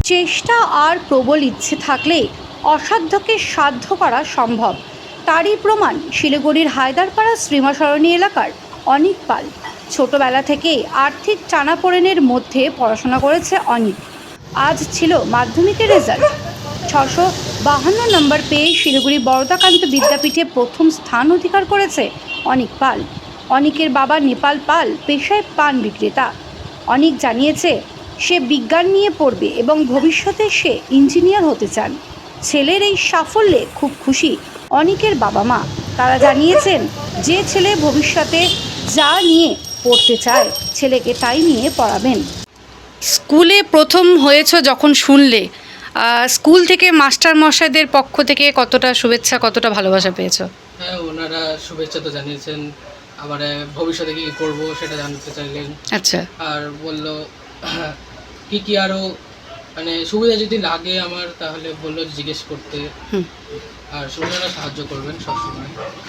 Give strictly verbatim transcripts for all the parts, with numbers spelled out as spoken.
চেষ্টা আর প্রবল ইচ্ছে থাকলে অসাধ্যকে সাধ্য করা সম্ভব, তারই প্রমাণ শিলিগুড়ির হায়দারপাড়া শ্রীমাসরণী এলাকার অনিক পাল। ছোটবেলা থেকেই আর্থিক টানাপোড়েনের মধ্যে পড়াশোনা করেছে অনিক। আজ ছিল মাধ্যমিকের রেজাল্ট। ছশো বাহান্ন নম্বর পেয়ে শিলিগুড়ি বরদাকান্ত বিদ্যাপীঠে প্রথম স্থান অধিকার করেছে অনিক পাল। অনিকের বাবা নেপাল পাল পেশায় পান বিক্রেতা। অনিক জানিয়েছে সে বিজ্ঞান নিয়ে পড়বে এবং ভবিষ্যতে সে ইঞ্জিনিয়ার হতে চান। ছেলের এই সাফল্যে খুব খুশি অনিকের বাবা মা। তারা জানিয়েছেন যে ছেলে ভবিষ্যতে যা নিয়ে পড়তে চায় ছেলেকে তাই নিয়ে পড়াবেন। স্কুলে প্রথম হয়েছ যখন শুনলে, স্কুল থেকে মাস্টার মশাইদের পক্ষ থেকে কতটা শুভেচ্ছা, কতটা ভালোবাসা পেয়েছো? হ্যাঁ, ওনারা শুভেচ্ছা তো জানিয়েছেন, আবার ভবিষ্যতে কী করবো সেটা জানতে চাইলেন। আচ্ছা। আর বললো কি কি আরও মানে সুবিধা যদি লাগে আমার, তাহলে বললো জিজ্ঞেস করতে। আর ওনারা সাহায্য করবেন সবসময়।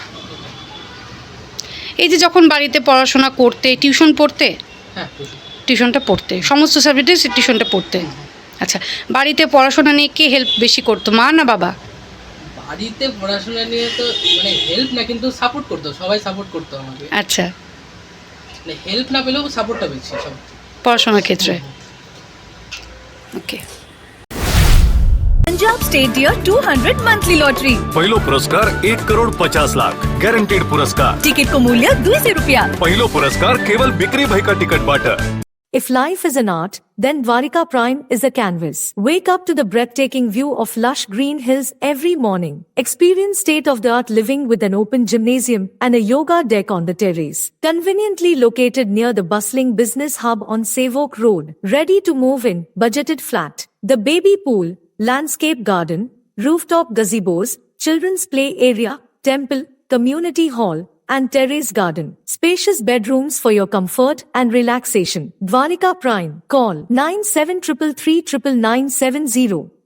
এই যে যখন বাড়িতে পড়াশোনা করতে, টিউশন পড়তে? হ্যাঁ, টিউশনটা পড়তে, সমস্ত সাবজেক্টে টিউশনটা পড়তে। আচ্ছা, বাড়িতে পড়াশোনা নিয়ে কে হেল্প বেশি করতো, মা না বাবা? বাড়িতে পড়াশোনা নিয়ে তো মানে হেল্প না, কিন্তু সাপোর্ট করতো, সবাই সাপোর্ট করতো আমাকে। আচ্ছা, মানে হেল্প না পেলেও সাপোর্টটা বেশি সব পড়াশোনার ক্ষেত্রে। Okay. Punjab state dear two hundred monthly lottery. पहिलो पुरस्कार एक करोड़ पचास लाख गॅरंटेड पुरस्कार। टिकट को मूल्य दुईशे रुपया। पहिलो पुरस्कार केवल बिक्री भाई का टिकट बाटर। If life is an art, then Dwarika Prime is a canvas. Wake up to the breathtaking view of lush green hills every morning. Experience state-of-the-art living with an open gymnasium and a yoga deck on the terrace. Conveniently located near the bustling business hub on Savok Road. Ready to move in, budgeted flat. The baby pool, landscape garden, rooftop gazebos, children's play area, temple, community hall, and terrace garden. Spacious bedrooms for your comfort and relaxation. Dwarika Prime. Call nine seven three three three nine nine seven zero.